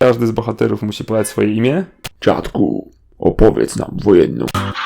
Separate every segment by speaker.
Speaker 1: każdy z bohaterów musi podać swoje imię.
Speaker 2: Dziadku, opowiedz nam wojenną.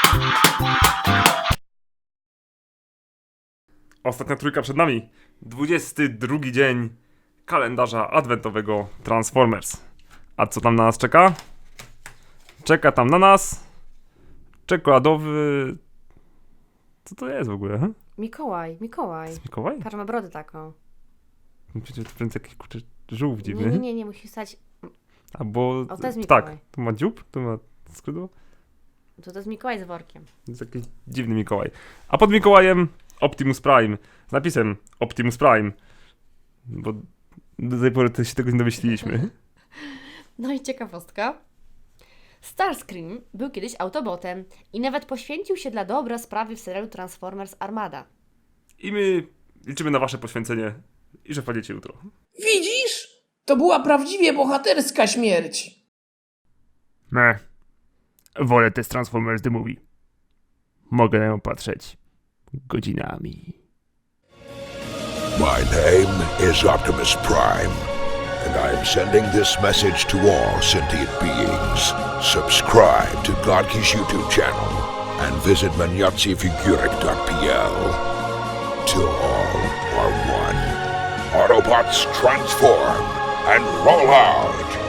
Speaker 1: Ostatnia trójka przed nami. 22 dzień kalendarza adwentowego Transformers. A co tam na nas czeka? Czeka tam na nas czekoladowy... Co to jest w ogóle? He?
Speaker 3: Mikołaj.
Speaker 1: Jest Mikołaj?
Speaker 3: Patrz, ma brodę taką.
Speaker 1: Przecież to będzie jakiś kurczę żółw dziwny.
Speaker 3: Nie, musi stać...
Speaker 1: Albo...
Speaker 3: O, to jest Mikołaj.
Speaker 1: Tak, to ma dziób, to ma skrzydło.
Speaker 3: To jest Mikołaj z workiem.
Speaker 1: To jest jakiś dziwny Mikołaj. A pod Mikołajem Optimus Prime. Z napisem Optimus Prime. Bo do tej pory to się tego nie domyśliliśmy.
Speaker 3: No i ciekawostka. Starscream był kiedyś Autobotem i nawet poświęcił się dla dobra sprawy w serialu Transformers Armada.
Speaker 1: I my liczymy na wasze poświęcenie i że wpadniecie jutro.
Speaker 4: Widzisz? To była prawdziwie bohaterska śmierć.
Speaker 1: Wolę te Transformers The Movie. Mogę na nią patrzeć godzinami.
Speaker 5: My name is Optimus Prime, and I am sending this message to all sentient beings. Subscribe to Godki's YouTube channel and visit maniatsifigurek.pl. Till all are one. Autobots transform and roll out!